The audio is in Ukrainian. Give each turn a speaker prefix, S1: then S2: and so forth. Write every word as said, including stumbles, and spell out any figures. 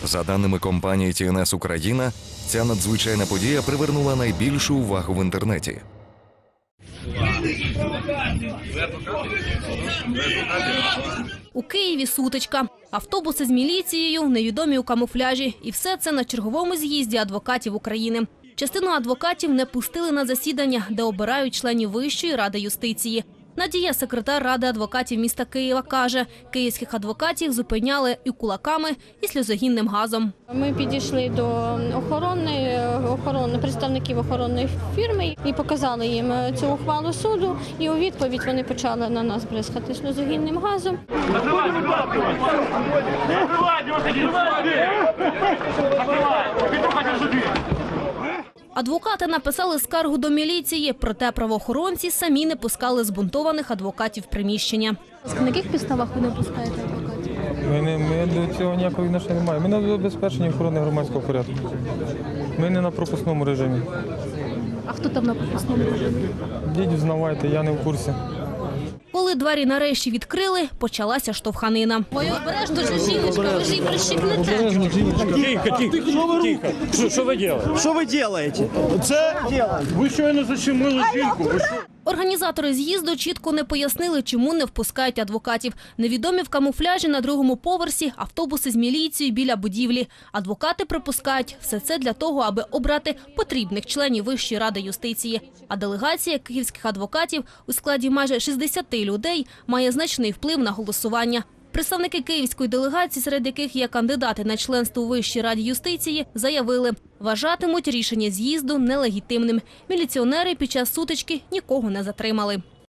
S1: За даними компанії Ті Ен Ес Україна, ця надзвичайна подія привернула найбільшу увагу в інтернеті.
S2: У Києві сутичка. Автобуси з міліцією, невідомі у камуфляжі. І все це на черговому з'їзді адвокатів України. Частину адвокатів не пустили на засідання, де обирають членів Вищої ради юстиції. Надія, секретар Ради адвокатів міста Києва, каже, київських адвокатів зупиняли і кулаками, і сльозогінним газом.
S3: Ми підійшли до охорони, охорони, представників охоронної фірми і показали їм цю ухвалу суду. І у відповідь вони почали на нас бризкати сльозогінним газом.
S2: Адвокати написали скаргу до міліції, проте правоохоронці самі не пускали збунтованих адвокатів в приміщення. На яких підставах ви не пускаєте адвокатів?
S4: Ми, не, ми до цього ніякого відношення не маємо. Ми на забезпеченні охорони громадського порядку. Ми не на пропускному режимі.
S2: А хто там на пропускному режимі?
S4: Дідь, взнавайте, я не в курсі.
S2: Коли двері нарешті відкрили, почалася штовханина. Ой, обережно ж, жіночка, ви ж її прищепнете.
S5: Тихо, тихо, тихо. Що, що ви робите?
S6: Що ви робите? Це
S5: Ви щойно защемили жінку. Ви що?
S2: Організатори з'їзду чітко не пояснили, чому не впускають адвокатів. Невідомі в камуфляжі на другому поверсі, автобуси з міліцією біля будівлі. Адвокати припускають, все це для того, аби обрати потрібних членів Вищої ради юстиції. А делегація київських адвокатів у складі майже шістдесяти людей має значний вплив на голосування. Представники київської делегації, серед яких є кандидати на членство у Вищій раді юстиції, заявили, вважатимуть рішення з'їзду нелегітимним. Міліціонери під час сутички нікого не затримали.